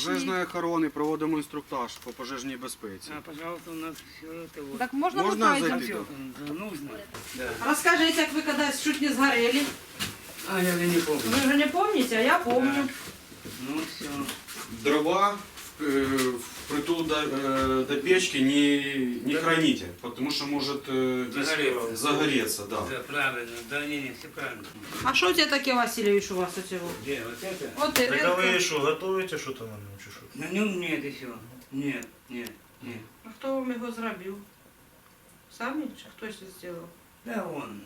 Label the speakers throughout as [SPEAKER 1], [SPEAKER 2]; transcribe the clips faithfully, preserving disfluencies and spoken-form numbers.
[SPEAKER 1] пожежної охорони, проводимо інструктаж по пожежній безпеці.
[SPEAKER 2] А, пожалуйста, у нас все это вот.
[SPEAKER 3] Так можно,
[SPEAKER 1] Можно
[SPEAKER 3] мы
[SPEAKER 1] зайти?
[SPEAKER 2] Все нужно. Да.
[SPEAKER 3] Расскажите, как вы когда чуть не сгорели.
[SPEAKER 2] А, я уже не помню.
[SPEAKER 3] Вы же не помните, а я помню.
[SPEAKER 2] Ну все.
[SPEAKER 1] Дрова э, впритул до, э, до печки не, не храните, потому что может э,
[SPEAKER 2] Загореться.
[SPEAKER 1] загореться, да.
[SPEAKER 2] Да, правильно. Да, не, не, все правильно.
[SPEAKER 3] А что у тебя такие, Васильевич, у вас эти вот?
[SPEAKER 2] Где, вот это?
[SPEAKER 3] Вот и
[SPEAKER 4] Так а ви
[SPEAKER 3] редко.
[SPEAKER 4] що, готуєте що-то на ньому чи що?
[SPEAKER 2] На нем нет еще. Нет, нет, нет.
[SPEAKER 3] А хто вам його зробив? Самі? Чи хтось зробив?
[SPEAKER 2] Да он.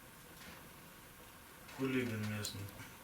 [SPEAKER 4] Хуліган місний.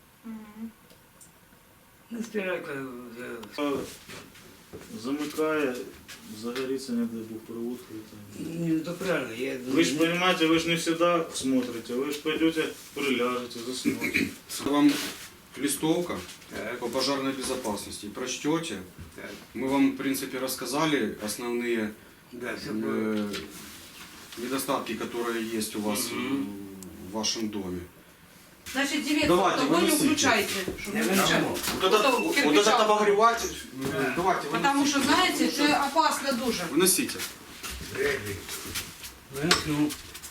[SPEAKER 2] Ну, стиралка. Да.
[SPEAKER 4] Замикає, загоріться, не дай Бог, проводка.
[SPEAKER 2] Не, ну, правильно. Я...
[SPEAKER 4] Ви ж розумієте, ви ж не завжди смотрите, ви ж пойдете, приляжете, заснете.
[SPEAKER 1] Вам листовка
[SPEAKER 2] Так,
[SPEAKER 1] по пожарной безопасности. Прочтете.
[SPEAKER 2] так.
[SPEAKER 1] Мы вам, в принципе, рассказали основные
[SPEAKER 2] Да, все было.
[SPEAKER 1] э, недостатки, которые есть у вас
[SPEAKER 2] Мгм.
[SPEAKER 1] в вашем доме.
[SPEAKER 3] Значить, дивіться,
[SPEAKER 1] Давайте,
[SPEAKER 3] того не
[SPEAKER 1] виносите.
[SPEAKER 3] включайте, щоб
[SPEAKER 2] Я
[SPEAKER 3] не
[SPEAKER 2] винесу.
[SPEAKER 3] включати.
[SPEAKER 1] Вот этот,
[SPEAKER 3] Потом
[SPEAKER 1] вот
[SPEAKER 3] кирпичом.
[SPEAKER 1] этот обогреватель,
[SPEAKER 2] Да.
[SPEAKER 1] э, давайте,
[SPEAKER 3] Потому що, знаєте, це опасно дуже.
[SPEAKER 1] выносите.
[SPEAKER 2] Ну.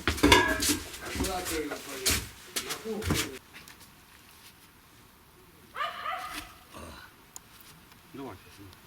[SPEAKER 1] Давайте.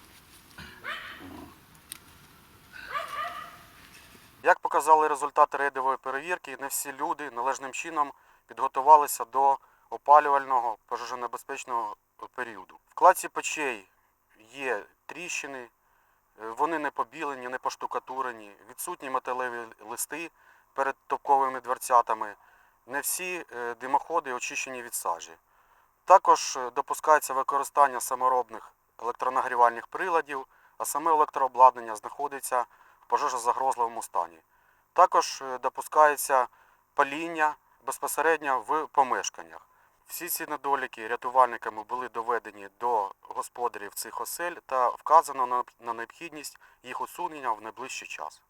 [SPEAKER 5] Як показали результати рейдової перевірки, не всі люди належним чином підготувалися до опалювального пожежонебезпечного періоду. В кладці печей є тріщини, вони не побілені, не поштукатурені, відсутні металеві листи перед топковими дверцятами, не всі димоходи очищені від сажі. Також допускається використання саморобних електронагрівальних приладів, а саме електрообладнання знаходиться в пожежозагрозливому стані. Також допускається паління безпосередньо в помешканнях. Всі ці недоліки рятувальниками були доведені до господарів цих осель та вказано на необхідність їх усунення в найближчий час.